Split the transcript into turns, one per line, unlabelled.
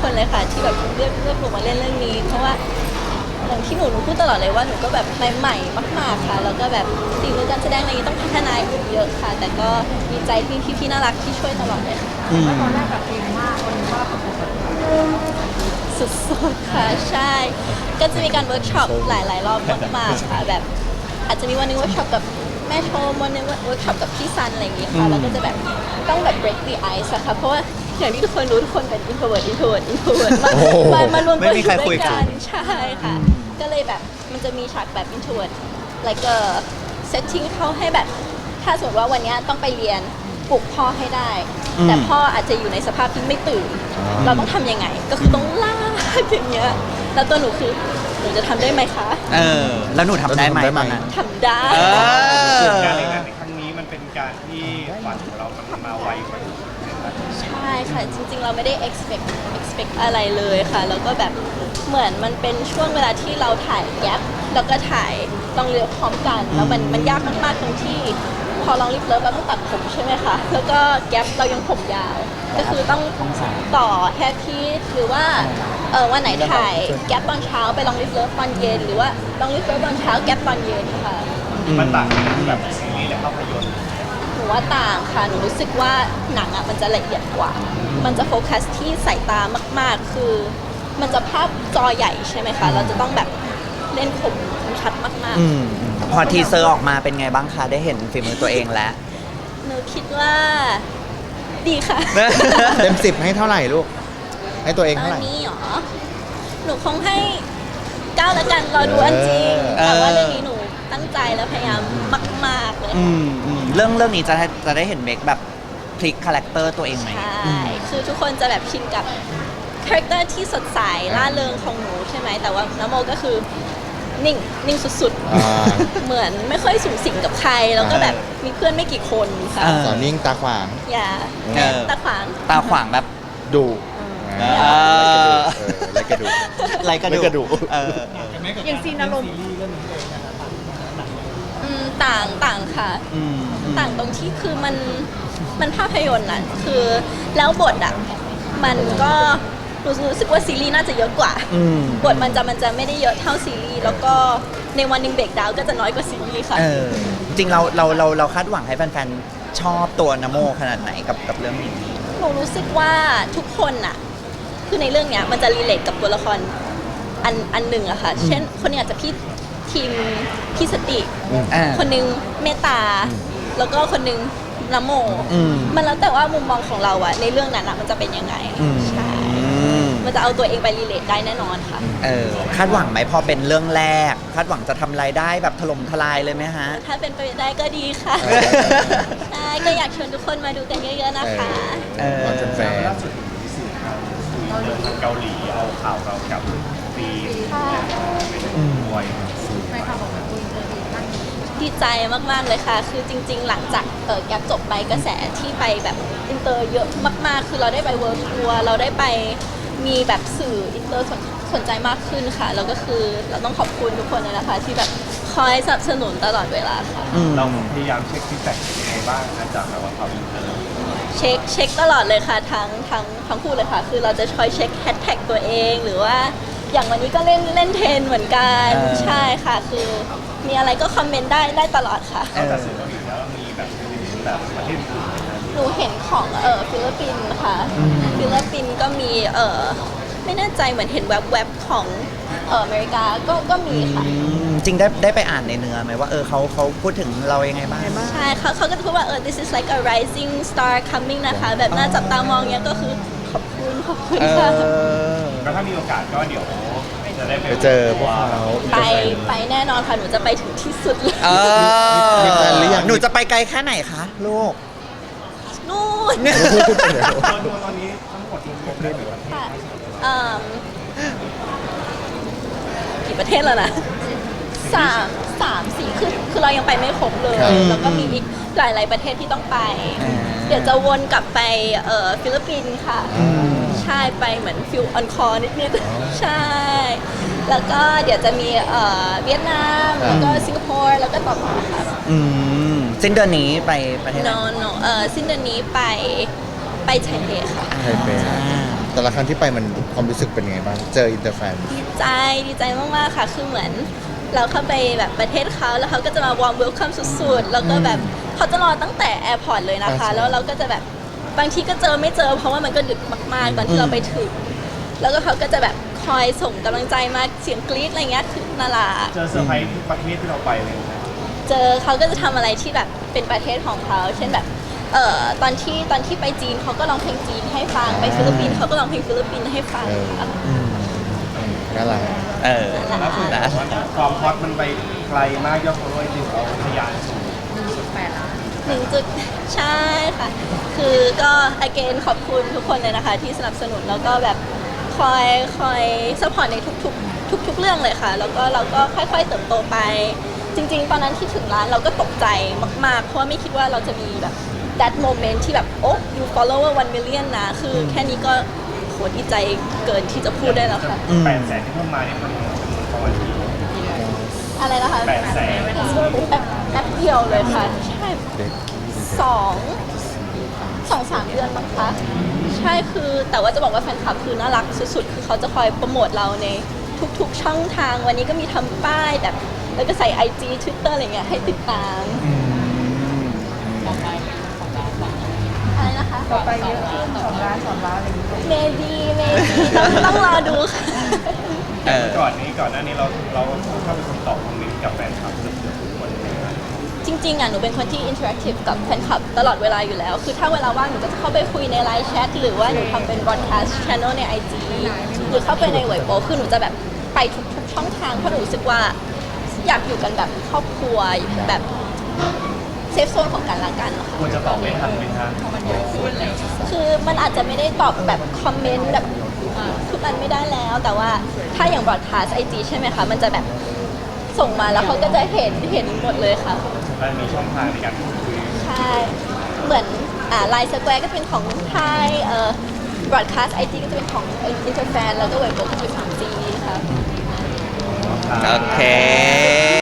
คนเลยค่ะที่แบบเลือกหนูมาเล่นเรื่องนี้เพราะว่าอย่างที่หนูพูดตลอดเลยว่าหนูก็แบบใหม่ๆมากๆค่ะแล้วก็แบบฝีมือการแสดงอะไรนี้ต้องพัฒนาอีกเยอะค่ะ แต่ก็ดีใจที่พี่ๆน่ารักที่ช่วยตลอดเลยค่ะ
ตอนแรกแบบเก่งมากวันนี้ว่าประสบการณ์
สุดๆค่ะใช่ ก็จะมีการเวิร์กช็อปหลายๆรอบมากๆค่ะแบบอาจจะมีวันหนึงเวิร์กช็อปกับแม่ชมวันหนึงเวิร์กช็อปกับพี่ซันอะไรอย่างงี้ค่ะแล้วก็จะแบบต้องแบบ break the ice อะค่ะเพราะว่าอย่างที่ทุกคนรู้ทุกคนเป็น introvert มารวมตัวอยู่ด้วยกันใช่ค่ะก็เลยแบบมันจะมีฉากแบบ introvert like a setting เข้าให้แบบถ้าสมมติว่าวันนี้ต้องไปเรียนปลุกพ่อให้ได้แต่พ่ออาจจะอยู่ในสภาพที่ไม่ตื่นเราต้องทำยังไงก็คือต้องลากอย่างเงี้ยแล้วตัวหนูคือหนูจะทำได้ไหมคะ
แล้วหนูทำได้ไหมตอนนั้น
ทำได้
การเล่นงานในครั้งนี้มันเป็นการที่ฝันของเรามันมาไวกว่านี้
ใช่ค่ะจริงๆเราไม่ได้ expect อะไรเลยค่ะแล้วก็แบบเหมือนมันเป็นช่วงเวลาที่เราถ่ายแก๊ปแล้วก็ถ่ายลองเรือพร้อมกันแล้วมันยากมากๆตรงที่พอลองลิฟเลิฟเราต้องตัดผมใช่ไหมคะแล้วก็แก๊ปเรายังผมยาวก็คือต้องต่อแฮร์พีซหรือว่าวันไหนถ่ายแก๊ปตอนเช้าไปลองลิฟเลิฟตอนเย็นหรือว่าลองลิฟเลิฟตอนเช้าแก๊ปตอนเย็นค่ะ
มันต่างกันแบบซีรีส์และภาพยนตร์
หนูว่าต่างค่ะหนูรู้สึกว่าหนังอ่ะมันจะละเอียดกว่ามันจะโฟกัสที่สายตามากๆคือมันจะภาพจอใหญ่ใช่ไหมคะเราจะต้องแบบเล่นคมชัดมากๆ
พอทีเซอร์ออกมาเป็นไงบ้างคะได้เห็นฝีมือตัวเองแล้ว
หนูคิดว่าดีค่ะ
เต็ม10ให้เท่าไหร่ลูกให้ตัวเอง
ตอ
เท่าน ไหร่
นี้หรอหนูคงให้9แล้วกันรอดูอันจริงแต่ว่าเรื่องนี้หนูตั้งใจและพยายามมากๆเลย
เรื่องนี้จะได้เห็นเมคแบบพลิกคาแรคเตอร์ตัวเองไหม
ใช่คือทุกคนจะแบบชินกับคาแรคเตอร์ที่สดใสล่าเริงของหนูใช่ไหมแต่ว่าน้ำโมก็คือนิ่งสุดๆเหมือนไม่ค่อยสูงสิงกับใครแล้วก็แบบมีเพื่อนไม่กี่คนค่ะ
สอนนิ่งตาขวาง
อย่าตาขวาง
แบบดุไรกระดู
อย่างซีนอารมณ์
ต่างค่ะต่างตรงที่คือมันภาพยนตร์น่ะคือแล้วบทอ่ะมันก็รู้สึกว่าซีรีส์น่าจะเยอะกว่าบทมันจะไม่ได้เยอะเท่าซีรีส์แล้วก็ในวันหนึ่งเบรกดาวน์ก็จะน้อยกว่าซีรีส์ค่ะ
จริงเราคาดหวังให้แฟนๆชอบตัวนโมขนาดไหนกับเรื่องนี้
หนูรู้สึกว่าทุกคนน่ะคือในเรื่องเนี้ยมันจะรีเลทกับตัวละครอันหนึ่งอะค่ะเช่นคนนี้อาจจะทีมพี่สติคนหนึงเมตตาแล้วก็คนหนึงนโมมันแล้วแต่ว่ามุมมองของเราอะในเรื่องนั้นอะมันจะเป็นยังไงใช่มันจะเอาตัวเองไปรีเลทได้แน่นอนค่ะ
คาดหวังไหมพอเป็นเรื่องแรกคาดหวังจะทำรายได้แบบถล่มทลายเลยไหมฮะ
ถ้าเป็นไปได้ก็ดีค่ะใช่ก็อยากชวนทุกคนมาดูกันเยอะๆนะคะ
ตอนแฟน
ล่าสุดมีสื่อเกาหลีเอาข่าวเรากับฟีเป็นมวย
ในข่าวบอกว่า
ดีใจมากๆเลยค่ะคือจริงๆหลังจากแก๊ปจบไปกระแสที่ไปแบบอินเตอร์เยอะมากๆคือเราได้ไปเวิร์ลทัวร์เราได้ไปมีแบบสื่ออินเตอร์สนใจมากขึ้นค่ะแล้วก็คือเราต้องขอบคุณทุกคนเลยนะคะที่แบบคอยสนับสนุนตลอดเวลาค่ะ
เราพยายามเช็คฟีดแบ็กยังไงบ้างนะจากแบบว่าความอินเตอร์
เช็คตลอดเลยค่ะทั้งคู่เลยค่ะคือเราจะคอยเช็คแฮชแท็กตัวเองหรือว่าอย่างวันนี้ก็เล่นเทรนเหมือนกันใช่ค่ะคือมีอะไรก็คอมเมนต์ได้ตลอดค่ะ
แต่สื่อเกาหลีแล้วมีแบบประเทศอื่น
หนูเห็นของฟิลิปปินส์ค่ะฟิลิปปินส์ก็มีไม่แน่ใจเหมือนเห็นแวบๆของอเมริกาก็มีค่ะ
จริงได้ไปอ่านในเนื้อไหมว่าเขาพูดถึงเรายังไงบ้าง
ใช่เขาก็จะพูดว่าthis is like a rising star coming นะคะแบบน่าจับตามองเนี้ยก็คือขอบคุณค่ะ
แล้วถ้ามีโอกาสก็เดี๋ยวจะได้
ไปเจอพวกเขา
ไปแน่นอนค่ะหนูจะไปถึงที่สุดเลย
มีแฟนหรือยัง
หนูจะไปไกลแค่ไหนคะลูก
นู่น
ตอนนี้ทั้งหมดรวมได้หรือว่า
กี่ประเทศแล้วนะ3-4คือเรายังไปไม่ครบเลยแล้วก็มีอีกหลายประเทศที่ต้องไปเดี๋ยวจะวนกลับไปฟิลิปปินส์ค่ะใช่ไปเหมือนฟิลออนคอร์นิดๆใช่แล้วก็เดี๋ยวจะมีเวียดนามแล้วก็สิงคโปร์แล้วก็ต่อมาค่ะ
สิ้นเดือนนี้ไปประเทศไหน
สิ้นเดือนนี้ไปไทเปค่ะ
ไทเปแต่ละครั้งที่ไปมันความรู้สึกเป็นไงบ้าง เจออินเตอร์แฟน
ดีใจมากๆค่ะคือเหมือนเราเข้าไปแบบประเทศเขาแล้วเขาก็จะมาวอร์มเวลคัมสุดๆแล้วก็แบบเขาจะรอตั้งแต่แอร์พอร์ตเลยนะคะ แล้วเราก็จะแบบบางทีก็เจอไม่เจอ เพราะว่ามันก็ดึกมากๆตอนที่เราไปถึง แล้วก็เขาก็จะแบบคอยส่งกำลังใจมาเสียงกรี๊ดอะไรเงี้ยคือน่ารัก
เจอเซอร์ไพรส์ที่ประเทศที่เราไปเลยนะ
เจอเขาก็จะทำอะไรที่แบบเป็นประเทศของเขาเช่นแบบตอนที่ไปจีนเขาก็ร้องเพลงจีนให้ฟังไปฟิลิปปินส์เขาก็ร้องเพลงฟิลิปปินส์ให้ฟังค่ะ
น่ารัก
ล่าสุดบอกว่าความฮอตมันไปไกลมากยอดฟอลโล่จริงเราทะยานสูง
1.8 ล้าน
ใช่ค่ะ คือก็ again ขอบคุณทุกคนเลยนะคะ ที่สนับสนุนแล้วก็แบบคอยซัพพอร์ตในทุกเรื่องเลยค่ะ แล้วก็เราก็ค่อยๆเติบโตไป จริงๆ ตอนนั้นที่ถึงร้านเราก็ตกใจมากๆ เพราะว่าไม่คิดว่าเราจะมีแบบ that moment ที่แบบโอ้ you follower 1 million นะ คือแค่นี้ก็โหดีใจเกินที่จะพูดได้แล้วค่ะ
800,000ที่เพิ่มมาเนี่ยมันประมาณกี่
อะไรนะคะ
800,000
แป๊บเดียวเลยค่ะ ใช่
เด็ก
2-3 เดือนมั้งคะ ใช่คือแต่ว่าจะบอกว่าแฟนคลับคือน่ารักสุดๆ คือเขาจะคอยโปรโมทเราในทุกๆช่องทาง วันนี้ก็มีทำป้ายแบบ แล้วก็ใส่ IG Twitter อะไรเงี้ยให้ติดตาม อะไรนะคะ
ต่อไปเยอะขึ้น2 ล้านอะไรอย่างเงี้ย
เมดีต้องรอดูค่ะ
ก่อนหน้านี้เราเข้าไปตอบคอมเมนต์กับแฟนคลับเกือบทุกคนเลยนะ
จริงๆอ่ะหนูเป็นคนที่อินเทอร์แอคทีฟกับแฟนคลับตลอดเวลาอยู่แล้ว คือถ้าเวลาว่างหนูก็จะเข้าไปคุยในไลน์แชทหรือว่าหนูทำเป็น broadcast channel ใน IG หรือเข้าไปในเว็บโป๊คือหนูจะแบบไปทุกช่องทางเพราะหนูรู้สึกว่าอยากอยู่กันแบบครอบครัวแบบเซฟโซนของกันและกันนะคะ
ควรจะตอบไม่ทันไหมคะ
คือมันอาจจะไม่ได้ตอบแบบคอมเมนต์แบบทุกอันไม่ได้แล้ว แต่ว่าถ้าอย่าง broadcast IG ใช่ไหมคะ มันจะแบบส่งมาแล้วเขาก็จะเห็นหมดเลยค่ะ
มันมีช่องทางในการพูดคุย
ใช่ เหมือนไลน์สแควร์ก็จะเป็นของไทยbroadcast IG ก็จะเป็นของอินเตอร์แฟนแล้วก็เว็บก็จะเป็นของจีค่ะ
โอเค